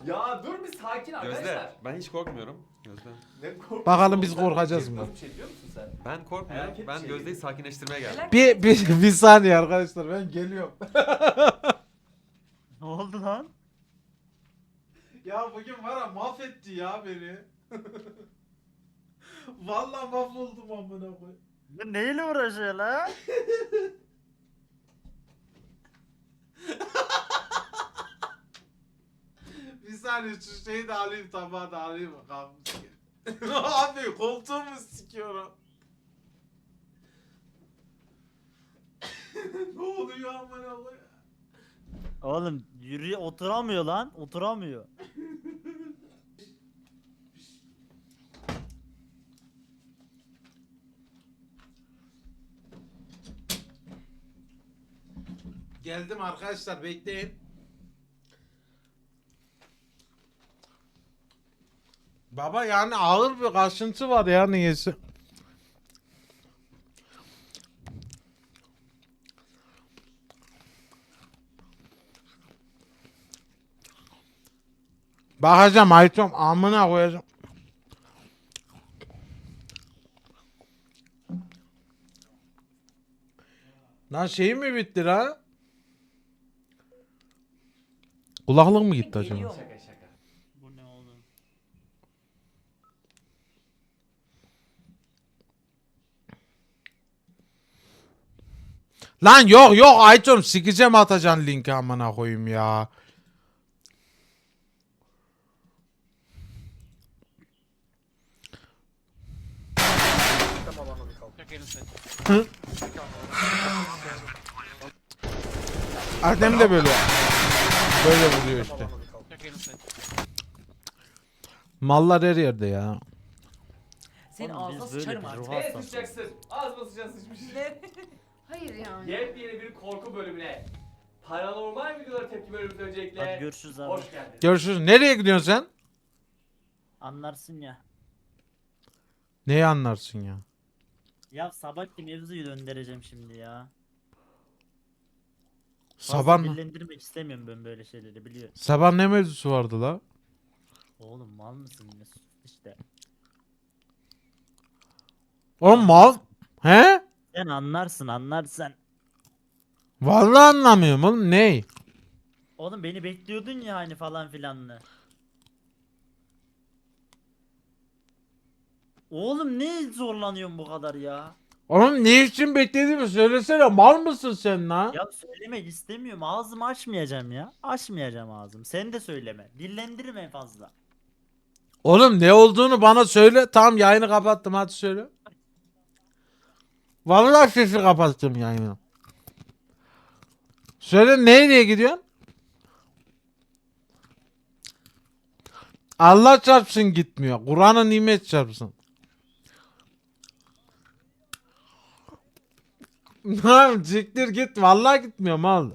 Ya dur bir sakin arkadaşlar. Gözde, ben hiç korkmuyorum. Gözde. Ne korkuyorsun? Bakalım biz Sen korkacağız mı? nasıl bir şey biliyor musun sen? Ben korkmuyorum. Felaket Ben bir şey Gözde'yi değil. sakinleştirmeye geldim. Bir saniye arkadaşlar ben geliyorum. Ne oldu lan? Ya bugün var ya mahvetti ya beni. Vallahi mahvoldum amına koyayım. Bu neyle uğraşıyor la? Bir saniye şu şeyi de alayım, tabağı da alayım bakalım. Abi koltuğumu sikiyorum. Ne oluyor amına koyayım? Oğlum yürüye oturamıyor lan. Oturamıyor. Geldim arkadaşlar, bekleyin. Baba yani ağır bir kaşıntı var ya niyeyse. Bakacağım Aytom amına koyacağım. Lan şey mi bitti la? Kulaklık mı gitti acaba? Şaka şaka. Bu ne oğlum? Lan yok yok Aytom sikeceğim, atacaksın linki amına koyayım ya. Adem de böyle. Böyle vuruyor işte. Mallar her yerde ya. Senin Oğlum biz ağzına böyle sıçarım bir artık. ruh Nereye hastası. sıçacaksın? Ağzıma sıçacaksın sıçmış. Hayır yani. Yepyeni bir korku bölümüne. Paranormal videolara tepki bölümümüz Hadi öncelikle. görüşürüz abi. Hoş geldiniz. Görüşürüz. Nereye gidiyorsun sen? Anlarsın ya. Neyi anlarsın ya? Ya sabahki mevzuyu döndüreceğim şimdi ya. Sabah Fazla dillendirmek istemiyorum ben böyle şeyleri biliyor. sabah ne mevzusu vardı la? Oğlum mal mısın yine sus işte. Oğlum mal. He? Sen anlarsın. Vallahi anlamıyorum oğlum, ney? Oğlum beni bekliyordun ya hani falan filanlı. Oğlum ne zorlanıyorsun bu kadar ya? Oğlum ne için beklediğimi söylesene, mal mısın sen la? Ya söylemek istemiyorum. Ağzımı açmayacağım ya. Açmayacağım ağzımı. Sen de söyleme. Dillendirme fazla. Oğlum ne olduğunu bana söyle. Tamam yayını kapattım, hadi söyle. Vallahi sesi kapattım yayını. Söyle nereye gidiyorsun? Allah çarpsın gitmiyor. Kur'an'a nimet çarpsın. Lan siktir git. Vallahi gitmiyor mal.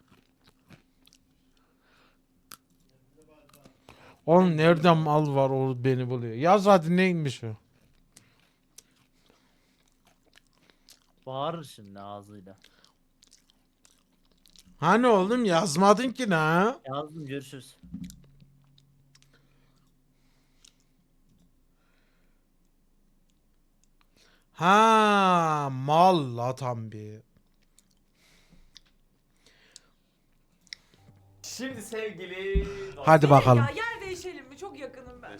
Oğlum nereden mal var o beni buluyor. Yaz hadi neymiş o. Bağırır şimdi ağzıyla. Hani oğlum yazmadın ki ne? Yazdım görüşürüz. Ha mal la tam bir. Şimdi sevgili dostlar. Hadi bakalım. Ya yer değişelim mi? Çok yakınım ben.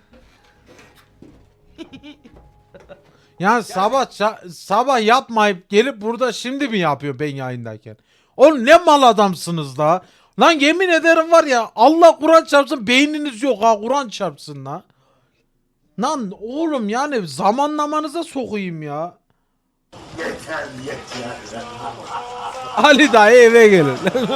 Ya sabah yapmayıp gelip burada şimdi mi yapıyor ben yayındayken? Oğlum ne mal adamsınız la. Lan yemin ederim var ya, Allah Kur'an çarpsın beyniniz yok ha, Kur'an çarpsın la. Lan oğlum yani zamanlamanıza sokayım ya. Yeter. Ali dayı eve gelin.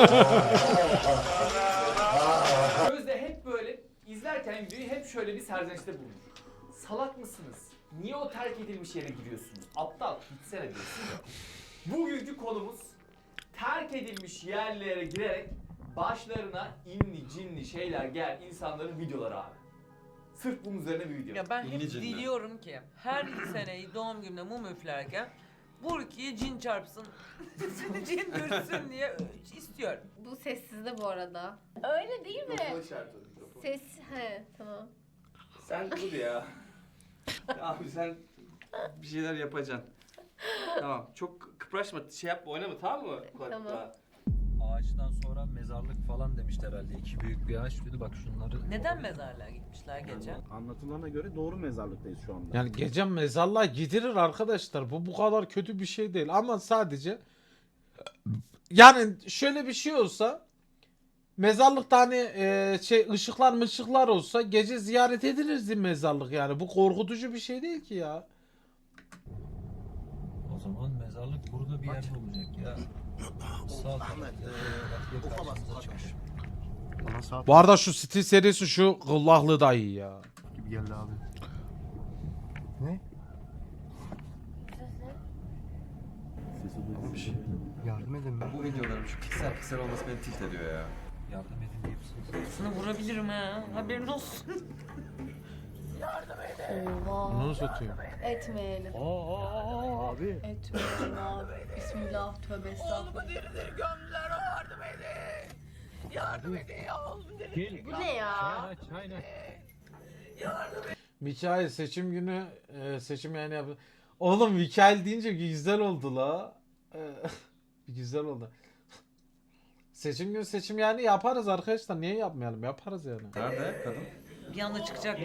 Gözde hep böyle izlerken videoyu hep şöyle bir serzenişte bulunur. Salak mısınız? Niye o terk edilmiş yere giriyorsunuz? Aptal, gitsene diyorsun ya. Bugünkü konumuz terk edilmiş yerlere girerek başlarına inni cinli şeyler gelen insanların videoları abi. Sırf bunun üzerine bir video. Ya ben hep İnli cinler. diliyorum ki her sene doğum günümde mum üflerken Burki'ye cin çarpsın, cin düşsün diye istiyorum. Bu sessizde bu arada. Öyle değil mi? Ses, he tamam. Sen dur ya. Abi sen bir şeyler yapacaksın. Tamam. Çok kıpraşma, şey yapma, oynama, tamam mı? Tamam. Ağaçtan sonra mezarlık falan demişler herhalde. İki büyük bir ağaç dedi bak şunları. Neden mezarlığa gitmişler gece? Anlatılana göre doğru mezarlıktayız şu anda. Yani gece mezarlığa gidilir arkadaşlar. Bu kadar kötü bir şey değil ama sadece yani şöyle bir şey olsa mezarlıkta hani şey ışıklar olsa gece ziyaret edilirdi mezarlık yani. Bu korkutucu bir şey değil ki ya. O zaman mezarlık burada bir yerde olacak ya. Sağ tarafta karşımıza çıkmış. Bana saat Bu arada şu stil serisi şu gıllahlı da iyi ya. gibi geldi abi. Sesi duydum. Bir şey. Yardım edin be. Bu videoların şu piksel olması beni tilt ediyor ya. Yardım edin diye Sana vurabilirim ha. Haberin olsun. Oha. Bunu satıyor. Etmeyelim. Abi. Etmeyelim abi. Bismillah, tövbe estağfurullah. Bu ne ya? Mikail seçim günü seçim yani yap. Oğlum Mikail deyince güzel oldu la. Güzel oldu. Seçim günü seçim yani yaparız arkadaşlar. Niye yapmayalım? Yaparız yani. Nerede kadın? Bir anda çıkacak.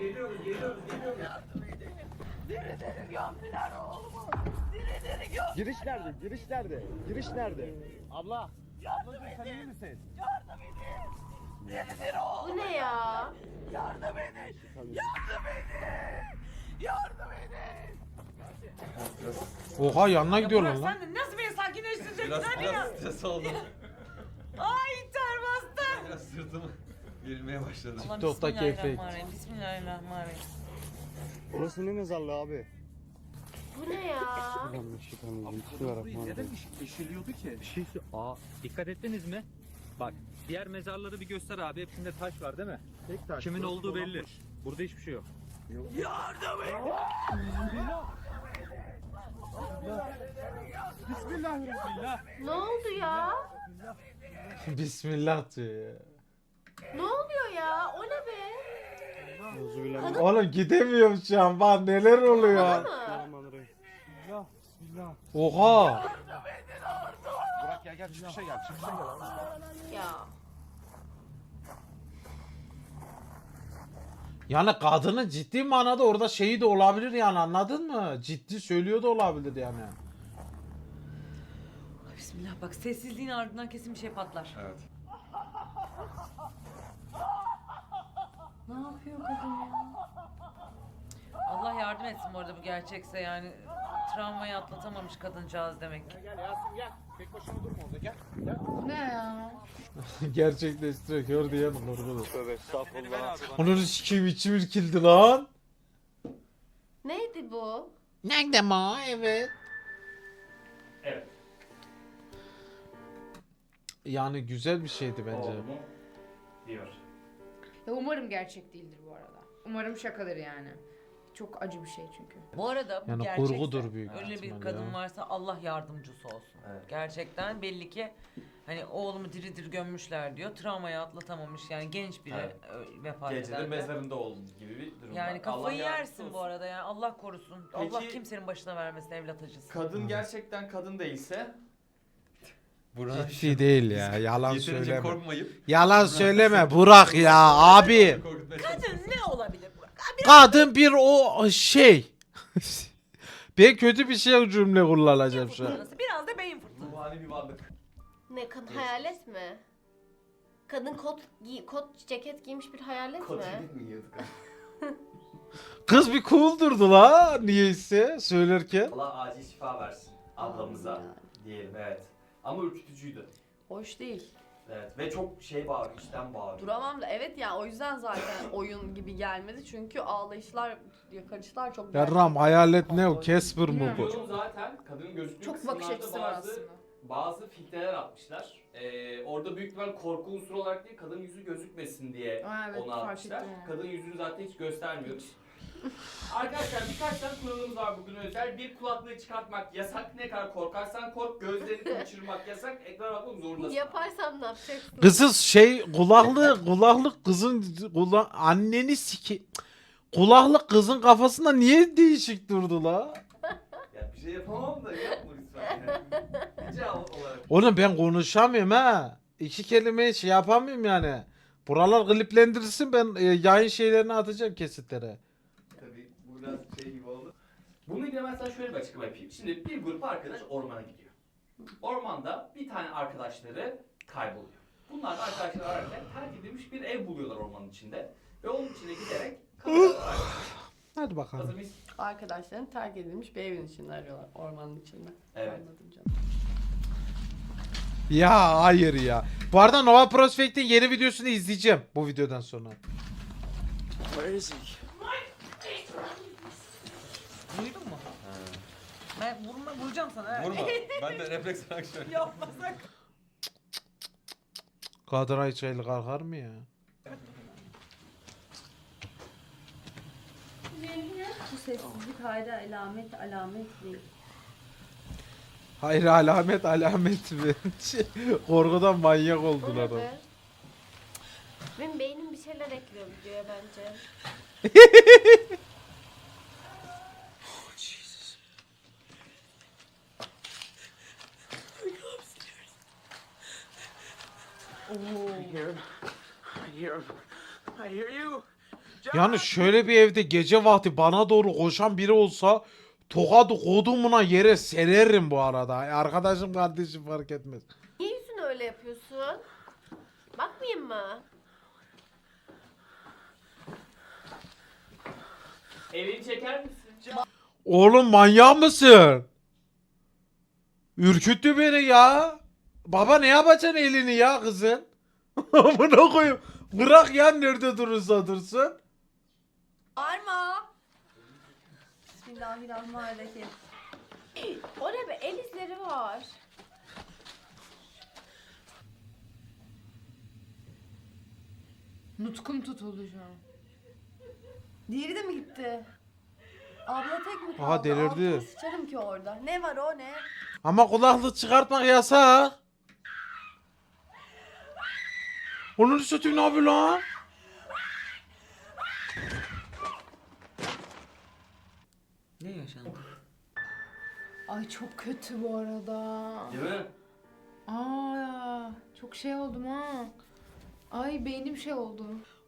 Giriş nerede? Giriş nerede? Giriş nerede? Abla. Ablacığım sen iyi misin? Bu ne ya? Oha yanına gidiyorlar Burak lan. sen de nasıl beni sakinleştireceksin? Biraz Hadi ya. stres oldum. Ay ter bastı. Biraz sırtım gerilmeye başladı. Ulan TikTok'taki Bismillahirrahmanirrahim. Bismillahirrahmanirrahim. Burası ne mezarlığı abi? Bu ne ya? Neden eşiliyordu ki? Bir şey dikkat ettiniz mi? Bak diğer mezarları bir göster abi. Hepsinde taş var değil mi? Tek taş. Kimin burası olduğu belli. dolanmış. Burada hiçbir şey yok. Ne oldu ya? Bismillah diyor ya. Ne oluyor ya? O ne be? Euzubillahimineşşeytanirracim. Oğlum gidemiyorum şu an. Bak neler oluyor. Bana mı? Bismillahirrahmanirrahim. Bismillah. Oha. Burak gel çıkışa gel. Çıkışa gel. Ya. Yani kadının ciddi manada orada şeyi de olabilir yani anladın mı? Ciddi söylüyor da olabilir yani. Bismillah bak sessizliğin ardından kesin bir şey patlar. Evet. Ne yapıyor kadın ya? Allah yardım etsin bu arada bu gerçekse yani travmayı atlatamamış kadıncağız demek ki. Bu ne ya? Gerçekleştiriyor. Gör diye mi korkudu? Tövbe estağfurullah. Onun sikiyim içim irkildi lan. Neydi bu? Nerede ma? Evet. Evet. Yani güzel bir şeydi bence. Oldu mu? Diyor. Ya umarım gerçek değildir bu arada. Umarım şakadır yani. Çok acı bir şey çünkü. Bu arada bu Yani gerçekse kurgudur büyük öyle bir ihtimal kadın ya. varsa Allah yardımcısı olsun. Evet. Gerçekten belli ki hani oğlumu diri diri gömmüşler diyor. Travmayı atlatamamış yani genç biri Evet. vefat Gecede eden de. mezarında oldu gibi bir durum. Yani var. kafayı Allah yersin yardımcısı bu olsun. arada yani Allah korusun. Peki- Allah kimsenin başına vermesin evlat acısı. Kadın gerçekten kadın değilse Burak Ciddi değil ya. Yalan yeterince söyleme. korkmayıp Yalan söyleme Burak ya abi. korkutmaya Kadın ne olabilir Burak? Kadın bir o şey. Ben kötü bir şey cümle kullanacağım şu an. Fırtınası, biraz da beyin fırtınası. ruhani bir varlık. Ne kadın hayalet mi? Kadın kot ceket giymiş bir hayalet Kot mi? mi yiyorduk? Kız bir cool durdu la niyeyse söylerken. Allah acil şifa versin ablamıza diyelim evet. Ama ürkütücüydü. Hoş değil. Evet ve çok şey bağırıyor, içten bağırıyor. Duramam da evet ya o yüzden zaten oyun gibi gelmedi çünkü ağlayışlar, yakarışlar çok Yarram hayalet ne o? Casper mı bu? Yorum zaten kadının gözüktüğü Çok bakış kısımlarda açısı var aslında. bazı filtreler atmışlar. Orada büyük ihtimal korku unsuru olarak değil kadın yüzü gözükmesin diye Aa, evet, onu fark atmışlar. ettim onu. Kadın yüzünü zaten hiç göstermiyoruz. Arkadaşlar birkaç tane kuralımız var bugün özel. Bir, kulaklığı çıkartmak yasak. Ne kadar korkarsan kork. Gözlerini kaçırmak yasak. Ekrana bakmak zorundasın. Yaparsam ne yapacaksın? Kızız şey kulaklık kızın anneni kulaklık kızın kafasında niye değişik durdu la? Ya bir şey yapamam da yapma lütfen. Yani. Rica olarak. Oğlum ben konuşamıyorum ha. İki kelime şey yapamıyorum yani. Buralar kliplendirilsin ben yayın şeylerini atacağım kesitlere. Tabii bu biraz şey gibi oldu. Bununla ilgili ben sana şöyle bir açıklama yapayım. Şimdi bir grup arkadaş ormana gidiyor. Ormanda bir tane arkadaşları kayboluyor. Bunlar da arkadaşlar ararken terk edilmiş bir ev buluyorlar ormanın içinde. Ve onun içine giderek kapıyorlar. Hadi Hazır bakalım. mıyız? Arkadaşların terk edilmiş bir evin içinde arıyorlar. Ormanın içinde. Evet. Anladım canım. Ya hayır ya. Bu arada Nova Prospect'in yeni videosunu izleyeceğim bu videodan sonra. Duydun mu? Ben vuracağım sana. Vurma. Ben de refleks olarak şöyle. Yapmasak. Kadın hiç el kalkar mı ya? Bu sessizlik hayra alamet değil. Hayır alamet mi? Korkudan manyak O oldular ne o. be? Benim beynim bir şeyler ekliyor videoya bence. Yani şöyle bir evde gece vakti bana doğru koşan biri olsa tokadı kodumuna yere sererim bu arada. Arkadaşım kardeşim fark etmez. Niye yüzünü öyle yapıyorsun? Bakmayayım mı? Elini çeker misin? Oğlum manyak mısın? Ürküttü beni ya. Baba ne yapacaksın elini ya kızın? Amına koyayım. Bırak ya nerede durursa dursun. Arma! Bismillahirrahmanirrahim. O ne be? El izleri var. Nutkum tutuldu şu an. Diğeri de mi gitti? Abla tek mi kaldı? Aha, delirdi. Altıma sıçarım ki orada. Ne var o ne? Ama kulaklık çıkartmak yasak. Onun satayım ne yapıyor lan? Ne yaşandı? Ay çok kötü bu arada. Değil mi? Aa, çok şey oldum ha. Ay beynim şey oldu.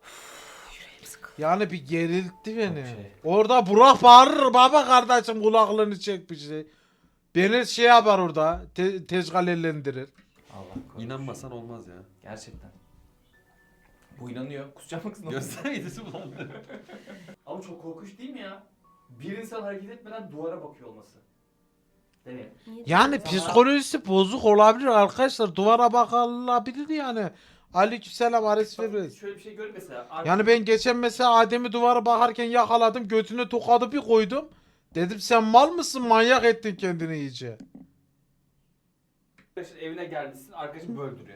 Yani bir geriltti beni. şey. Orada Burak bağırır baba kardeşim kulaklığını çek bir şey. Beni şey yapar orada. Tezgalellendirir. Allah korusun. İnanmasan olmaz ya. Gerçekten. Bu inanıyor. Kusacak mısın? Gözler yedisi bulandı. Ama çok korkunç değil mi ya? Bir insan hareket etmeden duvara bakıyor olması. Değil mi? Niye Yani diyorsun? psikolojisi bozuk olabilir arkadaşlar. Duvara bakılabilir yani. Aleykümselam Ares Febrez. Şöyle bir şey gör mesela. Yani ben geçen mesela Adem'i duvara bakarken yakaladım. Götüne tokadı bir koydum. Dedim sen mal mısın? Manyak ettin kendini iyice. Arkadaşın evine gelmişsin, arkadaşın böyle duruyor.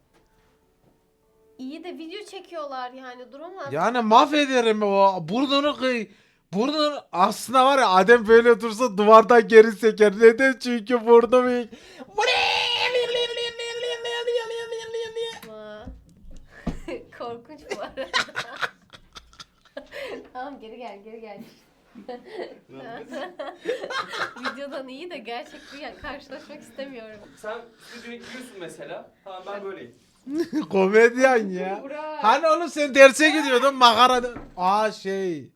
İyi de video çekiyorlar yani duramaz. Yani mahvederim o. Burnunu kıy. Burnunu aslında var ya Adem böyle dursa duvardan geri seker. Neden? Çünkü burnu büyük. Ama. Korkunç bu arada. Tamam geri gel. Videodan iyi de gerçekten karşılaşmak istemiyorum. Sen stüdyoya giriyorsun mesela. Tamam ben böyleyim. Komedyen ya. Burak. Hani oğlum sen derse gidiyordun makara. Aa şey.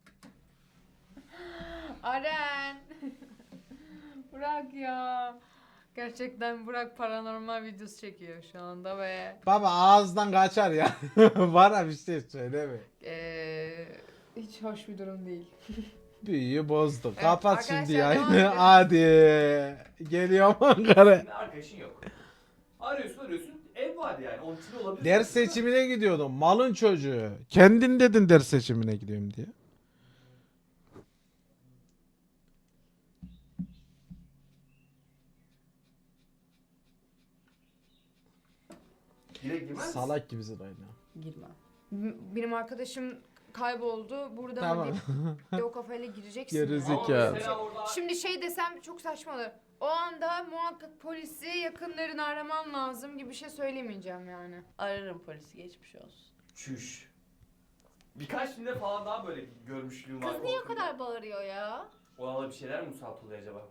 Aren. Burak ya. Gerçekten Burak paranormal videosu çekiyor şu anda ve Baba ağızdan kaçar ya. Bana bir şey söyleme. hiç hoş bir durum değil. Büyüyü bozdum. Evet, Kapat şimdi arkadaşlar, devam yayını. edelim. Hadi. Geliyorum Ankara. Senin arkadaşın yok. Arıyorsun. Ev var yani. Onun için olabilir. Ders seçimine gidiyordum. Malın çocuğu. Kendin dedin ders seçimine gidiyorum diye. Direkt girmez misin? Salak gibisin aynı. Girmem. Benim arkadaşım kayboldu. Burada Tamam. mı diye o kafayla gireceksin. Gerizekalı. Ama Ya. mesela orada Şimdi şey desem çok saçma olur. O anda muhakkak polisi yakınlarını araman lazım gibi bir şey söylemeyeceğim yani. Ararım polisi, geçmiş olsun. çüş. Birkaç filmde falan daha böyle görmüşlüğüm var. Kız niye o korkunç. kadar bağırıyor ya? Ona da bir şeyler mi musallat oluyor acaba?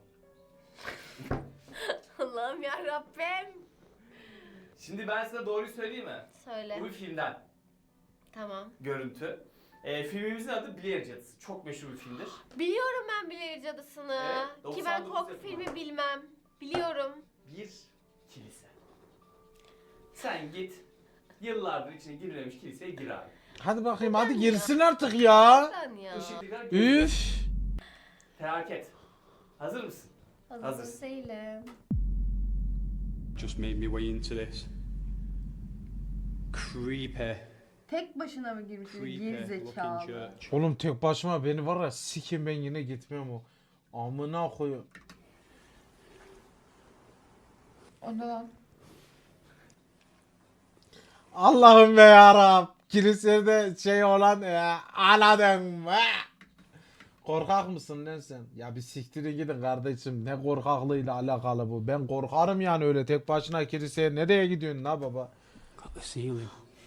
Allah'ım ya Rabbim. Şimdi ben size doğruyu söyleyeyim mi? Söyle. Bu bir filmden Tamam. görüntü. Filmimizin adı Blair Cadısı. Çok meşhur bir filmdir. Biliyorum ben Blair Cadısı'nı. Evet, Ki ben 99 korku yapımı. filmi bilmem. Biliyorum. Bir kilise. Sen git yıllardır içine girilmemiş kiliseye gir abi. Hadi bakayım hadi girsin artık ya. Sen ya. Işıklılar Üf. Felaket. Hazır mısın? Hazır Hazırsın. değilim. Just made me way into this. Creepy. Tek başına mı girmiş? Creepy looking church. Oğlum tek başıma beni var ya sikim ben yine gitmem o. Amına koyayım. Onda lan. Allah'ım be yarab. Kilisede şey olan anladın mı? Korkak mısın lan sen? Ya bir siktirin gidin kardeşim. Ne korkaklığıyla alakalı bu. Ben korkarım yani öyle tek başına kiliseye. Nereye gidiyorsun la baba? Got the ceiling.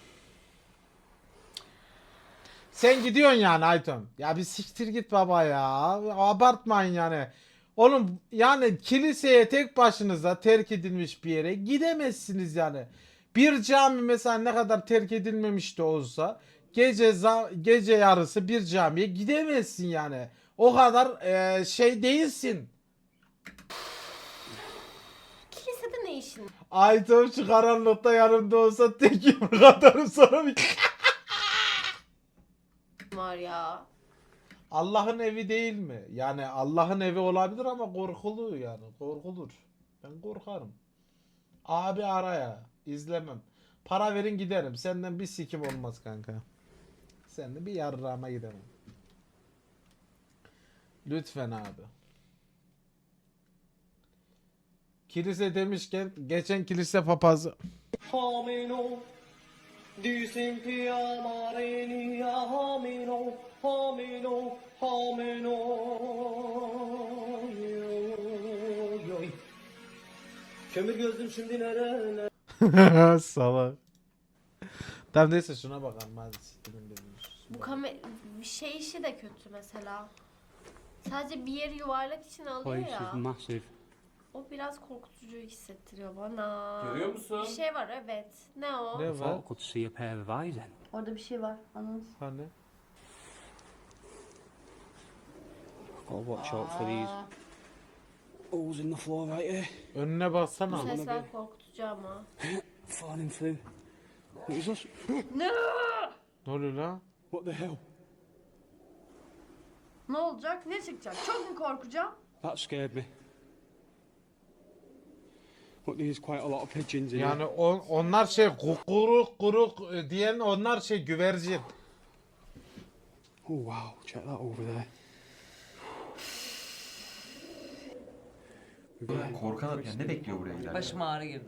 Sen gidiyorsun yani Ayton. Ya bir siktir git baba ya. Abartmayın yani. Oğlum yani kiliseye tek başınıza terk edilmiş bir yere gidemezsiniz yani. Bir cami mesela ne kadar terk edilmemiş de olsa gece yarısı bir camiye gidemezsin yani. O kadar şey değilsin. Kilisede ne işin Ayton şu karanlıkta yanımda olsa tek yumruk atarım sonra bir... var ya? Allah'ın evi değil mi? Yani Allah'ın evi olabilir ama korkulu yani. Korkulur. Ben korkarım. Abi araya. İzlemem. Para verin giderim. Senden bir sikim olmaz kanka. Senden bir yarrağıma giderim. Lütfen abi. Kilise demişken geçen kilise papazı. Kömür gözlüm şimdi nerede? Salak. Tamam neyse şuna bakalım hadi siktirin dedim. Bu bir şey işi de kötü mesela. Sadece bir yeri yuvarlak için alıyor Place is ya. massive. O biraz korkutucu hissettiriyor bana. Görüyor musun? Bir şey var evet. Ne o? Ne I var? thought I could see a pair of eyes then. Orada bir şey var. Anladın. Hani? Gotta watch out for these holes in the floor right here. Önüne Bu baksana. sesler korkutucu ama. Falling through. What is this? Ne oluyor lan? What the hell? Ne olacak? Ne çıkacak? Çok mu korkacağım? That scared me. Look, there's quite a lot of pigeons in Yani here. onlar şey kuruk diyen onlar şey güvercin. Oh wow, check that over there. Korkan adam yani ne bekliyor buraya giderken? Başıma ağrı girdi.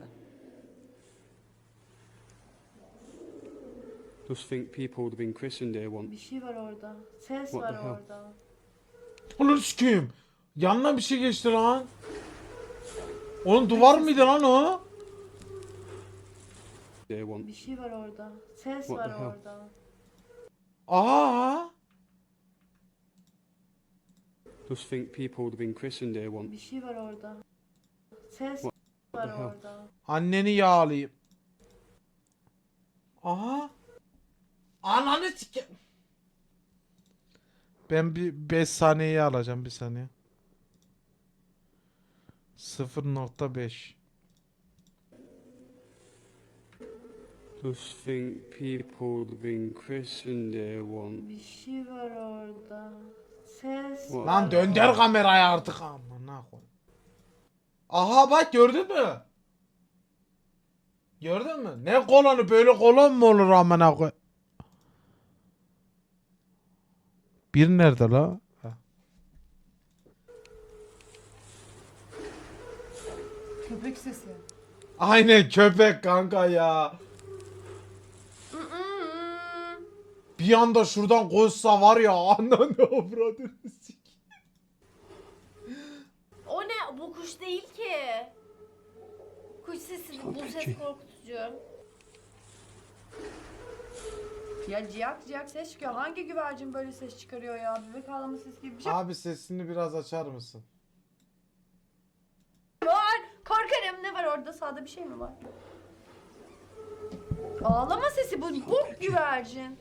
Just think people would have been christened here once. Bir şey var orada. Ses What var the hell? orada. Ulan sikeyim. Yanına bir şey geçti lan. Onun duvar mıydı lan o? Here once. Bir şey var orada. Ses What var the hell? orada. Aha. Just think people would have been christened here once. Bir şey var orada. Ses What var the hell? orada. Anneni yağlayayım. Aha. Ananı sike... Ben bir 5 saniyeyi alacağım bir saniye. 0.5. Just think people would have been christened here once. Bir şey var orada. Ses What? Lan dönder kamerayı artık amına koy. Aha bak gördün mü? Gördün mü? Ne kolonu böyle kolon mu olur amına koy? Bir nerede la? Ha. Köpek sesi. Aynen köpek kanka ya. Bir bir anda şuradan koşsa var ya ananı avradını sik. O ne? Bu kuş değil ki. Kuş sesi, bu ses korkutucu. Ya ciyak ciyak ses çıkıyor. Hangi güvercin böyle ses çıkarıyor ya? Bebek ağlama sesi gibi bir şey Abi sesini biraz açar mısın? var. Korkarım, ne var orada? Sağda bir şey mi var? Ağlama sesi bu güvercin.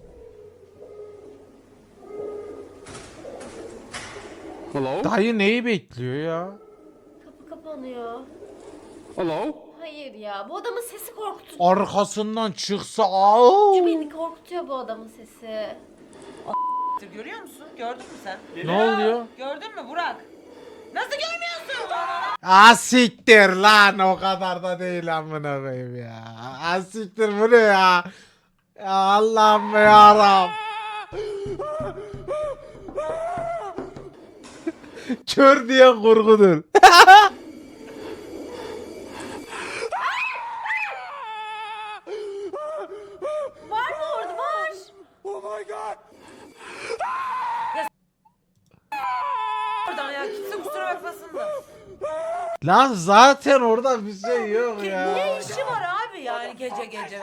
Hello? Dayı neyi bekliyor ya? Kapı kapanıyor. Hello? Hayır ya, bu adamın sesi korkutucu. Arkasından çıksa au. Beni korkutuyor bu adamın sesi. Görüyor musun? Gördün mü sen? Ne oluyor? Gördün mü Burak? Nasıl görmüyorsun? Siktir lan o kadar da değil amına koyayım ya. Siktir bu ne ya? Ya Allah'ım yarabbim. Kör diye kurgudur. Var mı orada? Var. Oradan ya kimse kusura bakmasın da. Lan zaten orada bir şey yok ya. Ne işi var abi yani gece gece?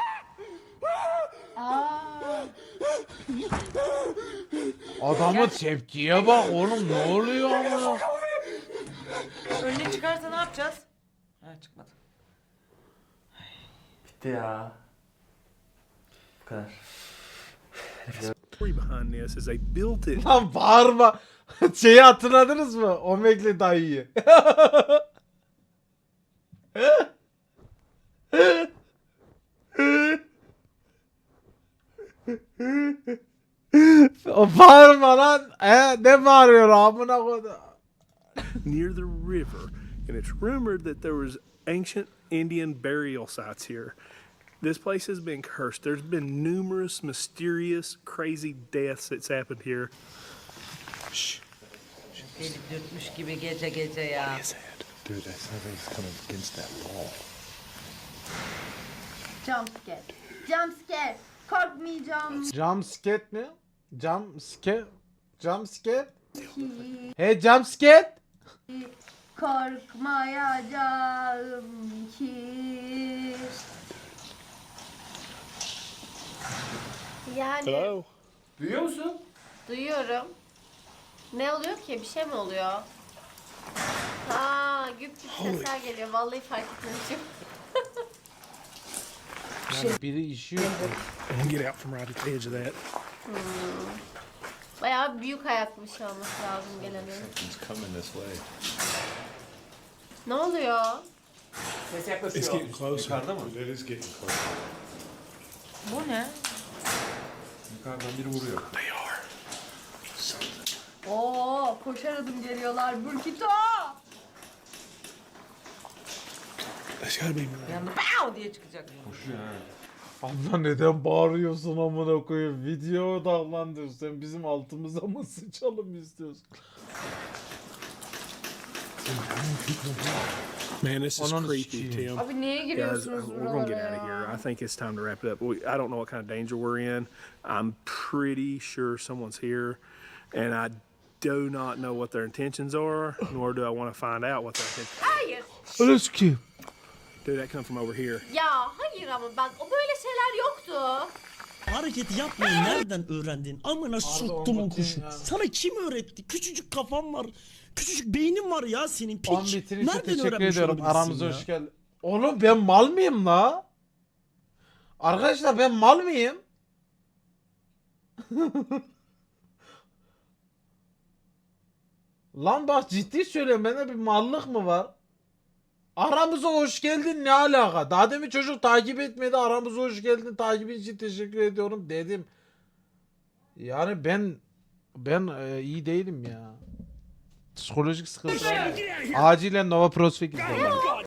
Adamın tepkiye bak oğlum ne oluyor amına? Önüne çıkarsa ne yapacağız? Ha çıkmadı. Bitti ya. Bu kadar. behind this is they built it. Lan bağırma. Şeyi hatırladınız mı? Omegli dayıyı. O bağırma lan. Ne bağırıyor amına koyayım? Near the river, and it's rumored that there was ancient Indian burial sites here. This place has been cursed. There's been numerous mysterious, crazy deaths that's happened here. Shh. Deli dürtmüş gibi gece gece ya. Dude, something's coming against that wall. Jump scare. Jump scare. Korkmayacağım. Jumpscare mi? Jumpscare? Jumpscare? Hey jumpscare? Korkmayacağım ki. Yani Hello? Duyuyor musun? duyuyorum. Ne oluyor ki? Bir şey mi oluyor? Ha, güp güp sesler geliyor. Vallahi fark etmemişim. Yani biri işiyor. I can get out from right at the edge of that. Bayağı büyük ayaklı bir şey olması lazım gelenin. It's coming this way. Ne oluyor? Ses yaklaşıyor. closer. Yukarıda mı? It is getting closer. Bu ne? Yukarıdan biri vuruyor. Oo, koşar adım geliyorlar. Burkito. There's gotta be Bir anda pow diye çıkacak. Koşuyor ha. Abla neden bağırıyorsun amına koyayım? Video odaklandır. Sen bizim altımıza mı sıçalım istiyorsun? Man, this is Ananı creepy, sikeyim. Tim. Abi niye Guys, giriyorsunuz we're gonna get buralara out of ya? here. I think it's time to wrap it up. I don't know what kind of danger we're in. I'm pretty sure someone's here, and I do not know what their intentions are, nor do I want to find out what their intentions. Hayır. Öyle ki. Dude, that come from over here. Ya hayır ama bak o böyle şeyler yoktu. Hareketi yapmayı nereden öğrendin? Amına soktumun kuşu. ya. Sana kim öğretti? Küçücük kafan var. Küçücük beynin var ya senin piç. 10 bitin için Nereden teşekkür öğrenmiş ediyorum. olabilirsin Aramıza ya? hoş geldin. Oğlum ben mal mıyım la? Arkadaşlar ben mal mıyım? Lan bak ciddi söylüyorum bende bir mallık mı var? Aramıza hoş geldin ne alaka? Daha demin çocuk takip etmedi aramıza hoş geldin takibin için teşekkür ediyorum dedim. Yani ben iyi değilim ya. Psikolojik sıkıntı. Acilen Nova Prospect izledim.